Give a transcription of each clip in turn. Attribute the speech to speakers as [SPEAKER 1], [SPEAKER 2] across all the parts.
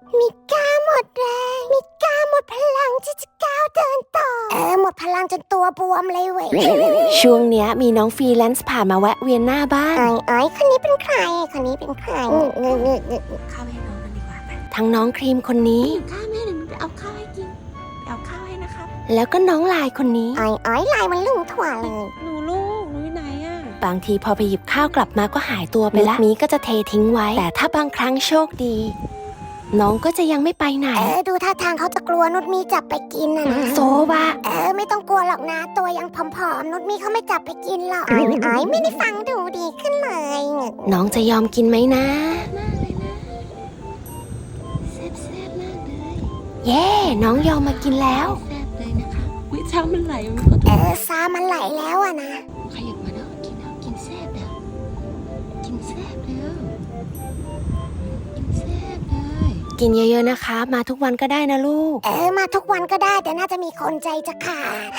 [SPEAKER 1] มิก้าหมดแรงมิก้าหมดพลังที่จะก้าวเดินต่อหมดพลังจนตัวบวมเลยเว้ย
[SPEAKER 2] ช่วงเนี้ยมีน้องฟรีแลนซ์ผ่านมาแวะเวียนหน้าบ้าน
[SPEAKER 1] คนนี้เป็นใครคนนี้เป็นใคร
[SPEAKER 3] ข้าวให้น้องกันดีกว่าไป
[SPEAKER 2] ทั้งน้องครีมคนนี้
[SPEAKER 3] ข้าวแม่เดี๋ยวหนูไปเอาข้าวให้กินไปเอาข้าวให้นะครับ
[SPEAKER 2] แล้วก็น้องลายคนนี้
[SPEAKER 1] ลายมันลุ่งถั่วเลย
[SPEAKER 3] หนูลูกหนูอยู่ไหนอ่ะ
[SPEAKER 2] บางทีพอไปหยิบข้าวกลับมาก็หายตัวไปละมีก็จะเททิ้งไว้ แต่ถ้าบางครั้งโชคดี น้องก็จะยังไม่ไปไหน
[SPEAKER 1] ดูท่าทางเขาจะกลัวนุชมีจับไปกินนะ
[SPEAKER 2] โซบะ
[SPEAKER 1] ไม่ต้องกลัวหรอกนะตัวยังผอมๆนุชมีเขาไม่จับไปกินหรอกไม่ได้ฟังดูดีขึ้นเลย
[SPEAKER 2] น้องจะยอมกินไหมนะ
[SPEAKER 3] มากเลยนะแซ่บแซ่บมากเลย
[SPEAKER 2] เย่น้องยอมมากินแล้ว
[SPEAKER 3] แซ่บเลยนะคะวิช้างมันไหลมันขอโทษ
[SPEAKER 1] ซามันไหลแล้วอะนะ
[SPEAKER 3] ขยับมาแล้วกินแซ่บแล้วกินแซ่บแล้วกินแซ่บเลย
[SPEAKER 2] กินเยอะๆนะคะ มาทุกวันก็ได้นะลูก
[SPEAKER 1] มาทุกวันก็ได้แต่น่าจะมีคนใจจะขาด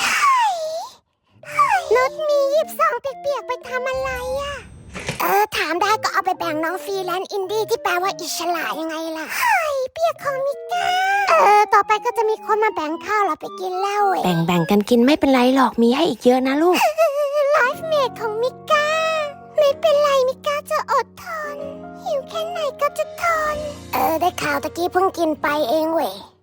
[SPEAKER 1] นุชมีหยิบซองเปียกๆไปทำอะไรอะถามได้ก็เอาไปแบ่งน้องฟรีแลนซ์อินดี้ที่แปลว่าอิสระยังไงล่ะเปียกของมิก้าต่อไปก็จะมีคนมาแบ่งข้าวเราไปกินแล้ว
[SPEAKER 2] แบ่งกันกินไม่เป็นไรหรอกมีให้อีกเยอะนะลูก
[SPEAKER 1] ไลฟ์เมทของมิก้าไม่เป็นไรมิก้าจะอดทนหิวแค่ไหนก็จะทนได้ข่าวตะกี้เพิ่งกินไปเองเว้ย